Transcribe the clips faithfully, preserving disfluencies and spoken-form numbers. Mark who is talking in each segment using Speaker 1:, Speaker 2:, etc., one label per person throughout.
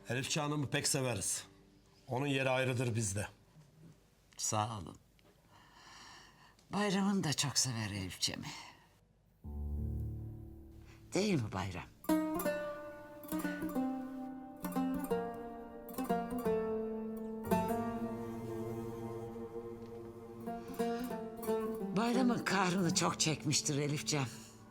Speaker 1: Elifçi Hanım'ı pek severiz. Onun yeri ayrıdır bizde.
Speaker 2: Sağ olun. Bayram'ın da çok sever Elifçemi. Değil mi Bayram? Bayram'ın kahrını çok çekmiştir Elifcem.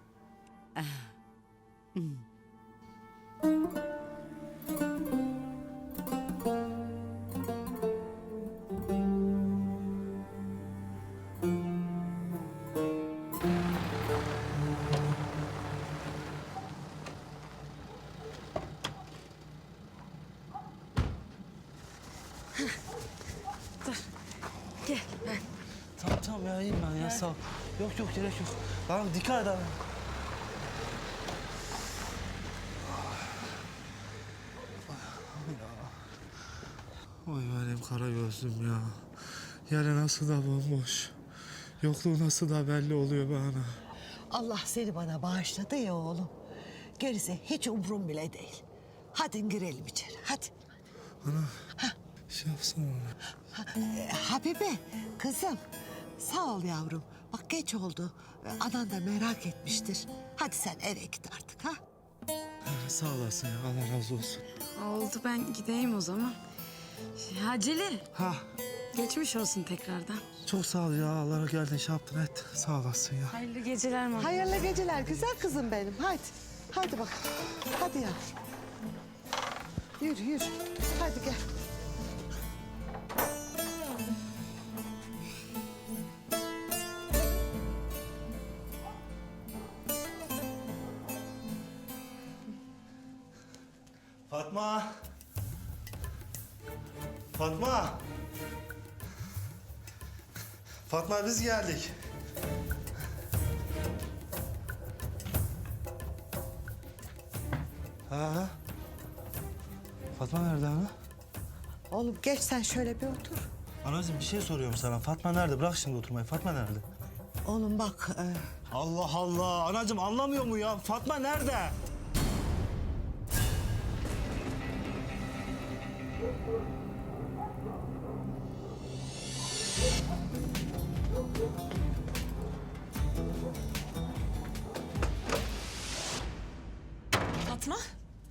Speaker 3: Gel.
Speaker 4: Tamam tamam ya iyiyim ben ya sağ ol. Yok yok gerek yok. Tamam dikkat et abi. Oy benim kara gözlüm ya. Yere nasıl da bomboş. Yokluğu nasıl da belli oluyor bana.
Speaker 3: Allah seni bana bağışladı ya oğlum. Gerisi hiç umrum bile değil. Hadi girelim içeri, hadi.
Speaker 4: Şey yapsana.
Speaker 3: Ha, e, Habibe, kızım. Sağ ol yavrum. Bak geç oldu. E, Anan da merak etmiştir. Hadi sen eve git artık ha.
Speaker 4: Sağ olasın ya Allah razı olsun.
Speaker 5: Oldu, ben gideyim o zaman. Haceli,
Speaker 4: Ha
Speaker 5: geçmiş olsun tekrardan.
Speaker 4: çok sağ ol ya Allah'a geldin şey yaptın et. Sağ olasın ya.
Speaker 5: Hayırlı geceler Mama.
Speaker 3: Hayırlı geceler güzel kızım benim. Hadi. Hadi bak. Hadi yavrum. Yürü yürü. Hadi gel.
Speaker 4: Fatma. Fatma. Fatma biz geldik. Ha. Fatma nerede ana?
Speaker 3: Oğlum geç sen şöyle bir otur.
Speaker 4: Anacığım bir şey soruyorum sana. Fatma nerede? Bırak şimdi oturmayı. Fatma nerede?
Speaker 3: Oğlum bak. E,
Speaker 4: Allah Allah. Anacığım anlamıyor mu ya? Fatma nerede?
Speaker 5: Fatma?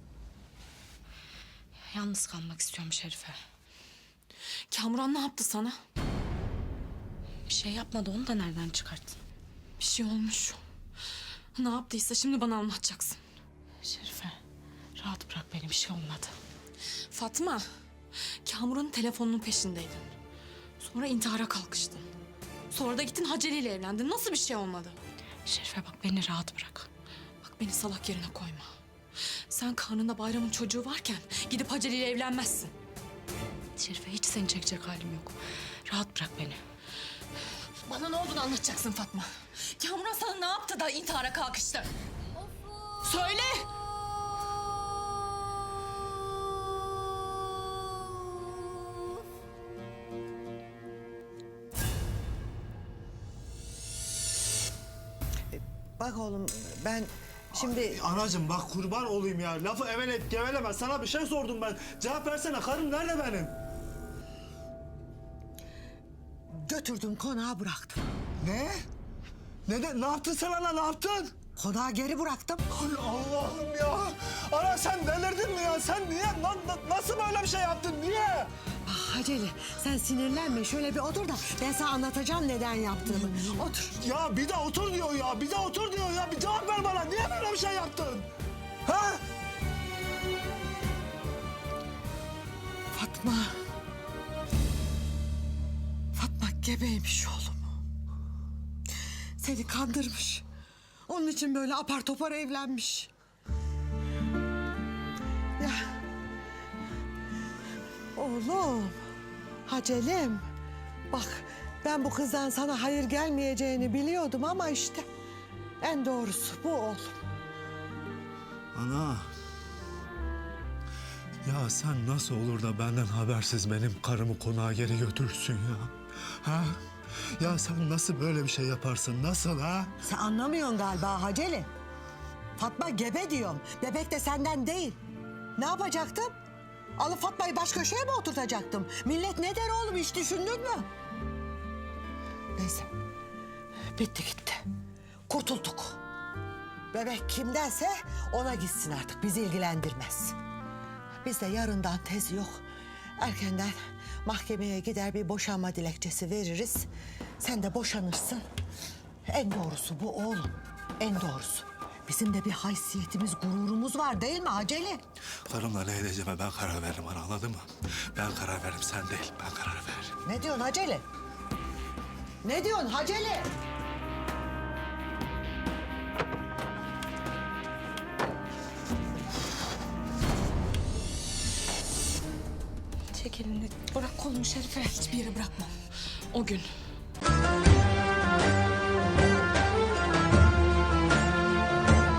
Speaker 6: Yalnız kalmak istiyorum Şerife.
Speaker 5: Kamuran ne yaptı sana?
Speaker 6: Bir şey yapmadı, onu da nereden çıkarttın?
Speaker 5: Bir şey olmuş. Ne yaptıysa şimdi bana anlatacaksın.
Speaker 6: Şerife, rahat bırak beni, bir şey olmadı.
Speaker 5: Fatma, Kamuran'ın telefonunun peşindeydin. Sonra intihara kalkıştın. Sonra da gittin Haceli ile evlendin. Nasıl bir şey olmadı?
Speaker 6: Şerife bak, beni rahat bırak.
Speaker 5: Bak beni salak yerine koyma. Sen karnında Bayram'ın çocuğu varken gidip Haceli ile evlenmezsin.
Speaker 6: Şerife, hiç seni çekecek halim yok. Rahat bırak beni.
Speaker 5: Bana ne olduğunu anlatacaksın Fatma. Kamuran sana ne yaptı da intihara kalkıştı? Söyle!
Speaker 3: bak oğlum ben şimdi...
Speaker 4: Anacığım bak kurban olayım ya. Lafı eveleyip geveleme. Sana bir şey sordum ben. Cevap versene. Karım nerede benim?
Speaker 3: Götürdüm konağa bıraktım.
Speaker 4: Ne? Ne de, ne yaptın sen ana? Ne yaptın?
Speaker 3: Konağa geri bıraktım.
Speaker 4: Ay Allah'ım ya. Ana sen delirdin mi ya? Sen niye? na- na- nasıl böyle bir şey yaptın? Niye?
Speaker 3: Bak Haceli sen sinirlenme şöyle bir otur da ben sana anlatacağım neden yaptığımı. Otur.
Speaker 4: Ya bir de otur diyor ya. Bir de otur diyor ya. Bir cevap ver bana. Niye böyle bir şey yaptın? Ha?
Speaker 3: Fatma. Fatma gebeymiş oğlum. Seni kandırmış. Onun için böyle apar topar evlenmiş. Ya. Oğlum. Hacelim. Bak ben bu kızdan sana hayır gelmeyeceğini biliyordum ama işte en doğrusu bu oğlum.
Speaker 4: Ana. Ya sen nasıl olur da benden habersiz benim karımı konağa geri götürürsün ya? Ha? Ya sen nasıl böyle bir şey yaparsın? Nasıl ha?
Speaker 3: Sen anlamıyorsun galiba Haceli. Fatma gebe diyorum. Bebek de senden değil. Ne yapacaktım? Alıp Fatma'yı baş köşeye mi oturtacaktım? Millet ne der oğlum, hiç düşündün mü? Neyse. Bitti gitti. Kurtulduk. Bebek kimdense ona gitsin artık. Bizi ilgilendirmez. Biz de yarından tez yok. Erkenden mahkemeye gider bir boşanma dilekçesi veririz. Sen de boşanırsın. En doğrusu bu oğlum. En doğrusu. Bizim de bir haysiyetimiz, gururumuz var değil mi Acele?
Speaker 4: Karımla ne edeceğime ben karar veririm ana, anladın mı? Ben karar veririm, sen değil. Ben karar veririm.
Speaker 3: Ne diyorsun Acele? Ne diyorsun Acele?
Speaker 5: Çek elini. Bırak kolumu Şerife. Hiçbir yere bırakmam. O gün